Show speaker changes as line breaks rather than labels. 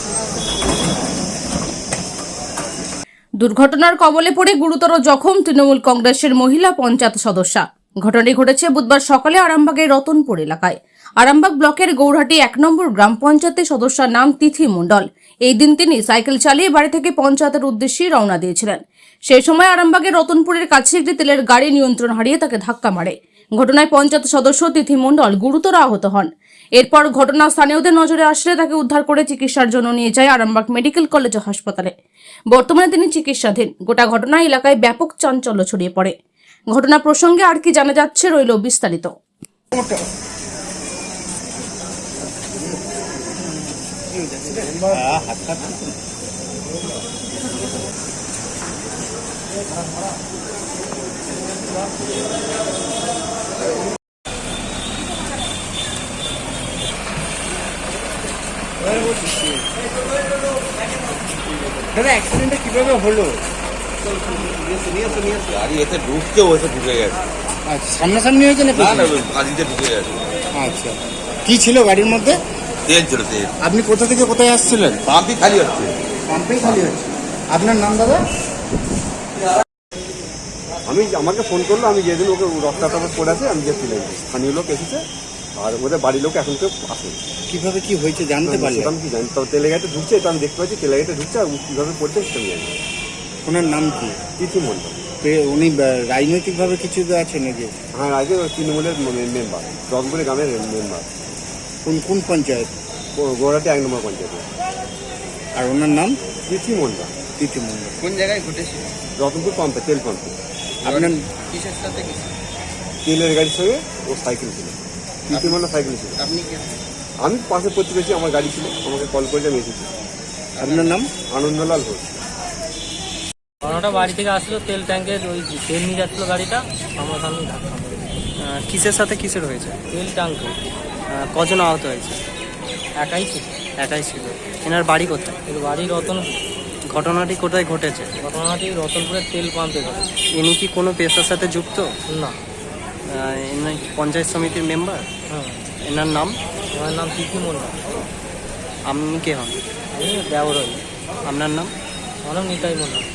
দুর্ঘটনার কবলে পড়ে গুরুতর জখম তৃণমূল কংগ্রেসের মহিলা পঞ্চায়েত সদস্যা। ঘটনাটি ঘটেছে বুধবার সকালে আরামবাগের রতনপুর এলাকায়। আরামবাগ ব্লকের গৌরহাটি 1 নম্বর গ্রাম পঞ্চায়েতের সদস্যার নাম তিথি মণ্ডল। এই দিন তিনি সাইকেল চালিয়ে বাড়ি থেকে পঞ্চায়েতের উদ্দেশ্যে রওনা দিয়েছিলেন। সেই সময় আরামবাগের রতনপুরের কাছে একটি তেলের গাড়ি নিয়ন্ত্রণ হারিয়ে তাকে ধাক্কা মারে। ঘটনায় পঞ্চায়েত সদস্য তিথি মণ্ডল গুরুতর আহত হন। এরপর ঘটনা স্থানীয়দের নজরে আসলে তাকে উদ্ধার করে চিকিৎসার জন্য নিয়ে যায় আরামবাগ মেডিকেল কলেজ হাসপাতালে। বর্তমানে তিনি চিকিৎসাধীন। গোটা ঘটনায় এলাকায় ব্যাপক চাঞ্চল্য ছড়িয়ে পড়ে। ঘটনা প্রসঙ্গে আর কি জানা যাচ্ছে রইল বিস্তারিত।
দাদা অ্যাক্সিডেন্টটা কিভাবে হলো?
গাড়ি এতে ঢুকছে ওতে ঢুকে গেছে।
আচ্ছা, সামনাসামনি হয়েছে না?
না না, গাড়িতে ঢুকে গেছে।
আচ্ছা, কি ছিল গাড়ির মধ্যে?
তেল ছিল, তেল।
আপনি কোথা থেকে কোথায় আসছিলেন?
পাম্পই খালি হচ্ছে।
পাম্পেই খালি হচ্ছে। আপনার নাম দাদা?
আমাকে ফোন করলো, আমি যেদিন ওকে রক্তাটা পড়ে আছে আমি গেছিলাম। স্থানীয় লোক এসেছে আর ওদের বাড়ির লোক এখন কেউ আসে।
কিভাবে কি হয়েছে জানতে পারলেন?
আমি কি জানি, তবে তেলে গাড়িতে ঢুকছে, এটা আমি দেখতে পাচ্ছি তেলে গাড়িতে ঢুকছে, আর কীভাবে পড়ছে সেটা আমি জানি।
ওনার নাম কি?
তিথি মণ্ডল।
উনি রাজনৈতিকভাবে কিছু আছে নাকি?
হ্যাঁ, আগে তৃণমূলের মেম্বার, রতনপুরের গ্রামের মেম্বার।
কোন পঞ্চায়েত?
গৌরহাটি 1 নম্বর পঞ্চায়েত।
আর ওনার নাম?
তিথি মণ্ডল।
তিথি মণ্ডল।
কোন জায়গায় ঘটেছিল?
রতনপুর পাম্পে, তেল পাম্পে।
আপনার কিসের সাথে কিছু?
তেলের গাড়ির সঙ্গে ও সাইকেল ছিল। তিথি মণ্ডল সাইকেল ছিল।
আপনি কি?
আমি পাশে প্রতিবেশী, আমার গাড়ি ছিল, আমাকে কল করে আমি এসেছি।
আপনার নাম?
আনন্দলাল ঘোষ।
ওটা বাড়ি থেকে আসলো, তেল ট্যাঙ্কের ওই তেল নিয়ে যাচ্ছিলো গাড়িটা, আমার সামনে ধাক্কা মারে।
কিসের সাথে কিসের হয়েছে?
তেল ট্যাঙ্কে।
কজন আহত হয়েছে?
একাই ছিল।
একাই ছিল। এনার বাড়ি কোথায়?
এর বাড়ি রতনপুর।
ঘটনাটি কোথায় ঘটেছে?
ঘটনাটি রতনপুরের তেল পাম্পে ঘটেছে।
ইনি কি কোনো পেশার সাথে যুক্ত?
না।
ইনি পঞ্চায়েত সমিতির মেম্বার?
হ্যাঁ।
এনার নাম?
আমার নাম তিথি মণ্ডল।
আপনি কে হন?
আমি ব্যবহার হই।
আপনার নাম?
আমার নাম নিতাই মণ্ডল।